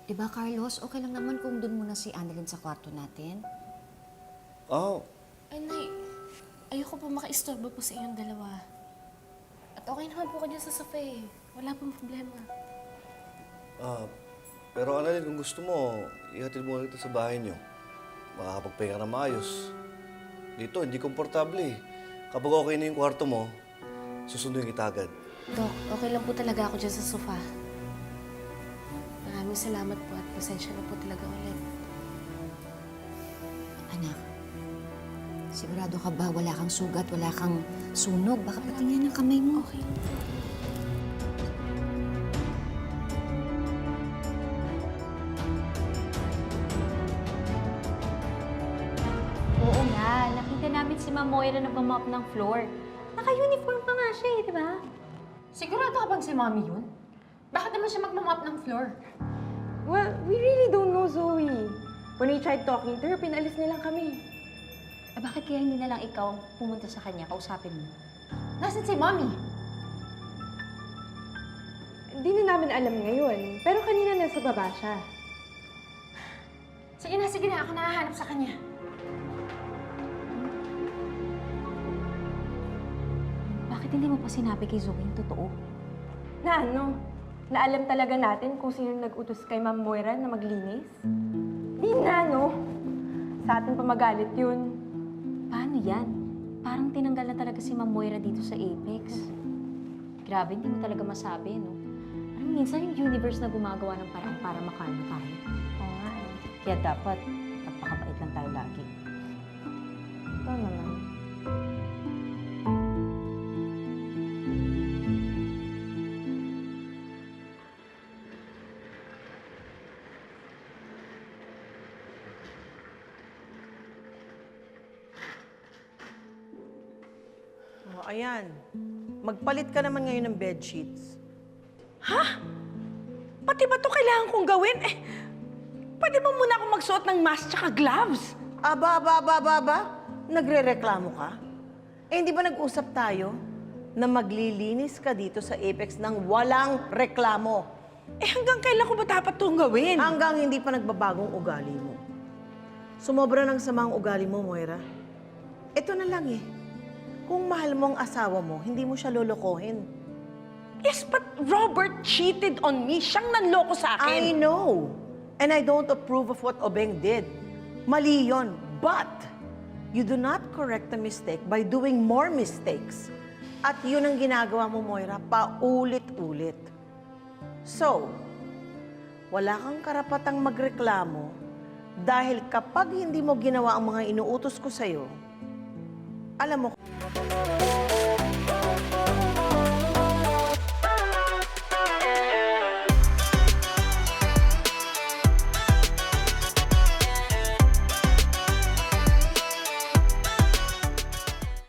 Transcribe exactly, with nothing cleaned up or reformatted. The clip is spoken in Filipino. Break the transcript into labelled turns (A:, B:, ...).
A: Diba, Carlos? Okay lang naman kung doon muna si Annalyn sa kwarto natin.
B: Oh,
C: Ay, Nay. Ayoko po makaistorbo po sa inyong dalawa. At okay naman po kanya sa sofa eh. Wala pong problema.
B: ah, pero Annalyn, kung gusto mo, ihatid mo kita sa bahay niyo. Makakapagpahinga na maayos. Dito, hindi komportable eh. Kapag okay na yung kwarto mo, susunduin kita agad.
C: Dok, okay lang po talaga ako dyan sa sofa. Maraming salamat po at pasensya na po talaga ulit.
A: Anak, sigurado ka ba wala kang sugat, wala kang sunog? Baka patingin ang kamay mo.
C: Okay lang po.
D: Oo nga, nakita namin si Ma'am Moira nagmamop ng floor. Naka-uniform pa nga siya eh, di ba?
E: Sigurado ka bang si Mommy yun? Bakit naman siya magmamop ng floor?
F: Well, we really don't know, Zoe. When we tried talking to her, pinalis nilang kami.
D: Eh, bakit kaya hindi na lang ikaw pumunta sa kanya, kausapin mo?
E: Nasaan si Mommy?
F: Hindi na namin alam ngayon, pero kanina nasa baba siya.
E: Sige na, sige na. Ako nahahanap sa kanya.
D: Bakit hindi mo pa sinabi kay Zoe yung totoo?
F: Na ano? Na alam talaga natin kung sino nag-utos kay Ma'am Moira na maglinis? Di na, no? Sa atin pa magalit yun.
D: Paano yan? Parang tinanggal na talaga si Ma'am Moira dito sa Apex. Grabe, hindi mo talaga masabi, no? Parang minsan yung universe na gumagawa ng paraan para makalma tayo.
F: Oo nga eh.
D: Kaya dapat, magpakabait lang tayo lagi.
F: Ito naman.
G: Oh, ayan. Magpalit ka naman ngayon ng bedsheets.
H: Ha? Pati ba ito kailangan kong gawin? Eh, pwede mo muna akong magsuot ng mask tsaka gloves?
G: Aba, aba, aba, aba, aba. Nagre-reklamo ka? Eh, hindi ba nag-usap tayo na maglilinis ka dito sa Apex ng walang reklamo?
H: Eh, hanggang kailan ko ba dapat itong gawin?
G: Hanggang hindi pa nagbabagong ugali mo. Sumobra ng samang ugali mo, Moira. Ito na lang eh. Kung mahal mo ang asawa mo, hindi mo siya lolokohin.
H: Yes, but Robert cheated on me. Siyang nanloko sa
G: I
H: akin.
G: know. And I don't approve of what Obeng did. Mali yon. But, you do not correct a mistake by doing more mistakes. At yun ang ginagawa mo, Moira, paulit-ulit. So, wala kang karapatang magreklamo dahil kapag hindi mo ginawa ang mga inuutos ko sa'yo, alam mo,